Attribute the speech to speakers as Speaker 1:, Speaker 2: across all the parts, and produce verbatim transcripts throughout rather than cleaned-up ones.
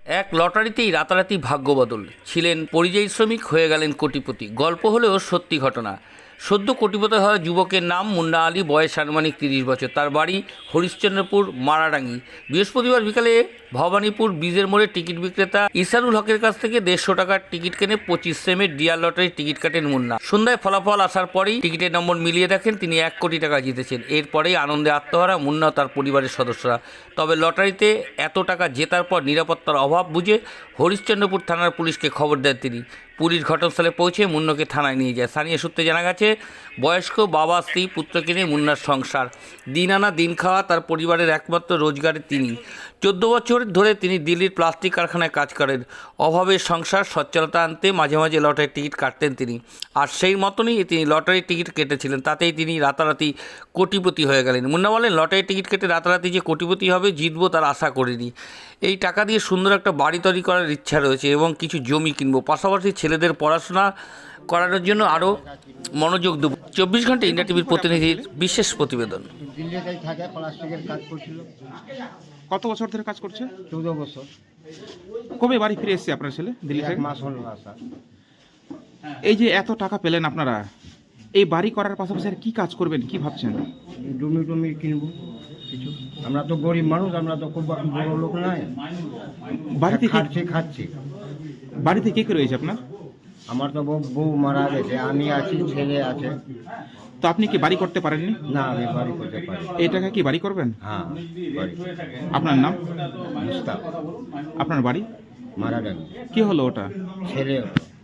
Speaker 1: এক লটারিতেই রাতারাতি ভাগ্যবদল। ছিলেন পরিযায়ী শ্রমিক, হয়ে গেলেন কোটিপতি। গল্প হলেও সত্যি ঘটনা। সদ্য কোটিপতি হওয়া যুবকের নাম মুন্না আলী, বয়স আনুমানিক তিরিশ বছর। তার বাড়ি হরিশ্চন্দ্রপুর মারাডাঙ্গি। বৃহস্পতিবার বিকালে ভবানীপুর ব্রিজের মোড়ে টিকিট বিক্রেতা ইসারুল হকের কাছ থেকে দেড়শো টাকার টিকিট কেনে পঁচিশ সেমের ডিয়ার লটারির টিকিট কাটেন মুন্না। সন্ধ্যায় ফলাফল আসার পরেই টিকিটের নম্বর মিলিয়ে দেখেন তিনি এক কোটি টাকা জিতেছেন। এরপরেই আনন্দে আত্মহারা মুন্না ও তার পরিবারের সদস্যরা। তবে লটারিতে এত টাকা জেতার পর নিরাপত্তার অভাব বুঝে হরিশ্চন্দ্রপুর থানার পুলিশকে খবর দেন তিনি। পুলিশ ঘটনাস্থলে পৌঁছে মুন্নাকে থানায় নিয়ে যায়। স্থানীয় সূত্রে জানা গেছে, বয়স্ক বাবা, স্ত্রী, পুত্রকে নিয়ে মুন্নার সংসার। দিন আনা দিন খাওয়া তার পরিবারের একমাত্র রোজগারে তিনি। চোদ্দ বছর ধরে তিনি দিল্লির প্লাস্টিক কারখানায় কাজ করেন। অভাবের সংসার সচ্ছলতা আনতে মাঝে মাঝে লটারির টিকিট কাটতেন তিনি। আর সেই মতনই তিনি লটারির টিকিট কেটেছিলেন। তাতেই তিনি রাতারাতি কোটিপতি হয়ে গেলেন। মুন্না বলেন, লটারির টিকিট কেটে রাতারাতি যে কোটিপতি হবে, জিতবো, তার আশা করিনি। এই টাকা দিয়ে সুন্দর একটা বাড়ি তৈরি করার ইচ্ছা রয়েছে এবং কিছু জমি কিনবো। পাশাপাশি ছেলেদের পড়াশোনা করানোর জন্য আরও মনোযোগ দেব। চব্বিশ ঘন্টা ইন্ডিয়া টিভির প্রতিনিধির বিশেষ প্রতিবেদন।
Speaker 2: দিল্লিতেই থাকে, প্লাস্টিকের কাজ করছিল।
Speaker 3: কত বছর ধরে কাজ করছে?
Speaker 2: চৌদ্দ বছর।
Speaker 3: কবে বাড়ি ফিরে এসেছে আপনার ছেলে দিল্লি
Speaker 2: এক
Speaker 3: থেকে?
Speaker 2: মাস হলো আসা।
Speaker 3: এই যে এত টাকা পেলেন আপনারা, এই বাড়ি করার পাশাপাশি আর কি কাজ করবেন, কি ভাবছেন?
Speaker 2: জমি টমি কিনবো কিছু। আমরা তো গরিব মানুষ, আমরা তো খুব বড় লোক নাই।
Speaker 3: বাড়িতে কে-
Speaker 2: খাচ্ছি খাচ্ছি
Speaker 3: বাড়িতে কে কে রয়েছে আপনার?
Speaker 2: আমার তো বউ বউ মারা গেছে, আমি আছি, ছেলে আছে।
Speaker 3: তো আপনি কি বাড়ি করতে পারেননি?
Speaker 2: না, আমি বাড়ি করতে পারি।
Speaker 3: এই টাকা কি বাড়ি করবেন?
Speaker 2: হ্যাঁ, বাড়ি।
Speaker 3: আপনার নাম?
Speaker 2: মুস্তাক।
Speaker 3: আপনার বাড়ি?
Speaker 2: মারা গেল।
Speaker 3: কি হলো ওটা?
Speaker 2: ছেলে।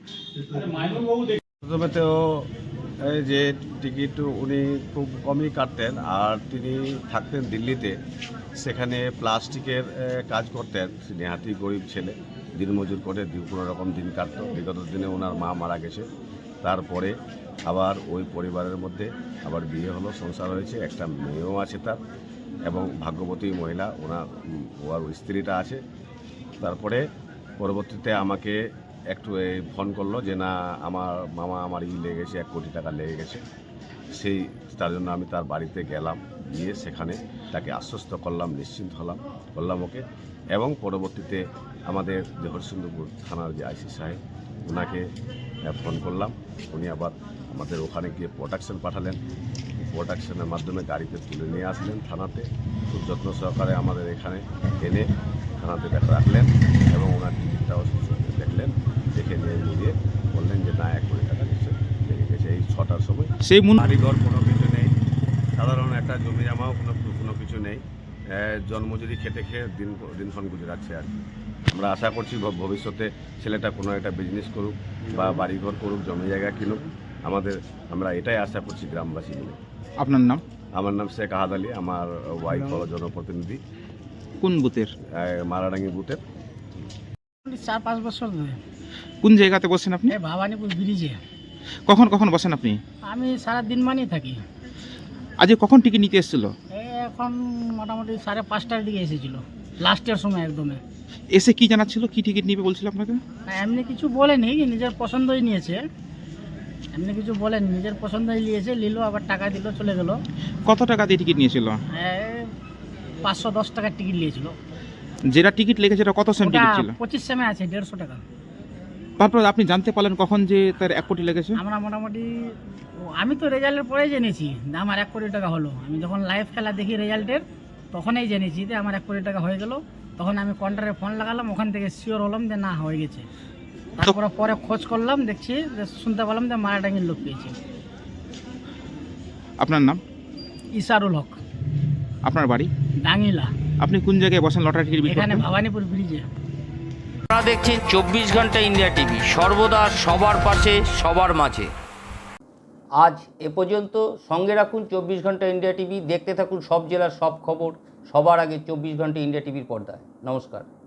Speaker 4: প্রথমে তো এই যে টিকিট উনি খুব কমই কাটতেন, আর তিনি থাকতেন দিল্লিতে। সেখানে প্লাস্টিকের এ, কাজ করতেন। নেহাতি গরিব ছেলে, দিনমজুর করে দি- কোনো রকম দিন কাটতো। বিগত দিনে ওনার মা মারা গেছে। তারপরে আবার ওই পরিবারের মধ্যে আবার বিয়ে হলো, সংসার হয়েছে, একটা মেয়েও আছে তার, এবং ভাগ্যবতী মহিলা ওনার উম, ওর স্ত্রীটা আছে। তারপরে পরবর্তীতে আমাকে একটু এই ফোন করলো যে না, আমার মামা আমার ই লেগে গেছে, এক কোটি টাকা লেগে গেছে। সেই তার জন্য আমি তার বাড়িতে গেলাম, গিয়ে সেখানে তাকে আশ্বস্ত করলাম, নিশ্চিন্ত হলাম করলাম ওকে। এবং পরবর্তীতে আমাদের যে হরিশ্চন্দ্রপুর থানার যে আইসি সাহেব, ওনাকে আহ, ফোন করলাম। উনি আবার আমাদের ওখানে গিয়ে প্রোডাকশন পাঠালেন। প্রোডাকশনের মাধ্যমে গাড়িতে তুলে নিয়ে আসলেন থানাতে। খুব যত্ন সহকারে আমাদের এখানে এনে থানাতে দেখা রাখলেন এবং ওনার টিকিটটাও দেখলেন। দেখে নিয়ে নিয়ে বললেন যে না, এক কোটি টাকা নিশ্চয় লেগে গেছে। এই ছটার সময়
Speaker 3: সেই মুন
Speaker 4: বাড়িঘর কোনো কিছু নেই, সাধারণ একটা জমি জামাও কোনো কোনো কিছু নেই। এ, জন্মজুরি খেটে খেয়ে দিন দিনক্ষণ গুজরাচ্ছে আর কি। আমরা আশা করছি ভ- ভবিষ্যতে ছেলেটা কোনো একটা বিজনেস করুক বা বাড়িঘর করুক, জমি জায়গা কিনুক। আমাদের আমরা এটাই আশা করছি গ্রামবাসী মিলে।
Speaker 3: আপনার নাম?
Speaker 4: আমার নাম শেখ আহাদ আলী, আমার ওয়াইফ হলো জনপ্রতিনিধি,
Speaker 3: কোন বুথের?
Speaker 4: এ, মারাডাঙ্গি বুথের।
Speaker 5: চার পাঁচ বছর ধরে
Speaker 3: কোন জায়গাতে বসেন আপনি?
Speaker 5: এই ভবানীপুর ব্রিজে
Speaker 3: কখন কখন বসেন আপনি?
Speaker 5: আমি সারা দিন মানেই থাকি।
Speaker 3: আজকে কখন টিকিট নিতে এসেছিল?
Speaker 5: এই এখন মোটামুটি সাড়ে পাঁচটার দিকে এসেছিল, লাস্টের সময় একদমে।
Speaker 3: এসে কি জানাচ্ছিল, কি টিকিট নিবে বলছিল আপনাকে?
Speaker 5: না, এমনি কিছু বলেনি, নিজের পছন্দই নিয়েছে। এমনি কিছু বলেনি, নিজের পছন্দই নিয়েছে, নিল, আবার টাকা দিল, চলে গেল।
Speaker 3: কত টাকা দিয়ে টিকিট নিয়েছিল?
Speaker 5: পাঁচশো দশ টাকার টিকিট নিয়েছিল।
Speaker 3: যেটা টিকিট লেগেছে সেটা কত সেম
Speaker 5: ওটা
Speaker 3: টিকিট ছিল?
Speaker 5: পঁচিশ সেমে আছে, দেড়শো টাকা।
Speaker 3: তারপর আপনি জানতে পারলেন কখন যে তার এক কোটি লেগেছে?
Speaker 5: আমরা মোটামুটি ও, আমি তো রেজাল্টের পরেই জেনেছি যে আমার এক কোটি টাকা হলো। আমি যখন লাইভ খেলা দেখি রেজাল্টের, তখনই জেনেছি যে আমার এক কোটি টাকা হয়ে গেল। তখন আমি কাউন্টারে ফোন লাগালাম, ওখান থেকে শিওর হলাম যে না, হয়ে গেছে। তারপরে পরে খোঁজ করলাম, দেখছি যে শুনতে পেলাম যে মারাডাঙ্গির লোক পেয়েছে।
Speaker 3: আপনার নাম?
Speaker 5: ইসারুল হক,
Speaker 3: আপনার বাড়ি?
Speaker 5: ডাঙ্গিলা।
Speaker 3: আপনি কোন জায়গায় বসেন লটারি টিকিট বিক্রি
Speaker 5: এখানে
Speaker 3: করতে?
Speaker 5: ভবানীপুর ব্রিজে।
Speaker 1: আপনারা দেখছেন চব্বিশ ঘন্টা ইন্ডিয়া টিভি, সর্বদা সবার পাশে, সবার মাঝে। আজ এ পর্যন্ত। সঙ্গে রাখুন চব্বিশ ঘন্টা ইন্ডিয়া টিভি। দেখতে থাকুন সব জেলার সব খবর সবার আগে চব্বিশ ঘন্টা ইন্ডিয়া টিভির পর্দায়। নমস্কার।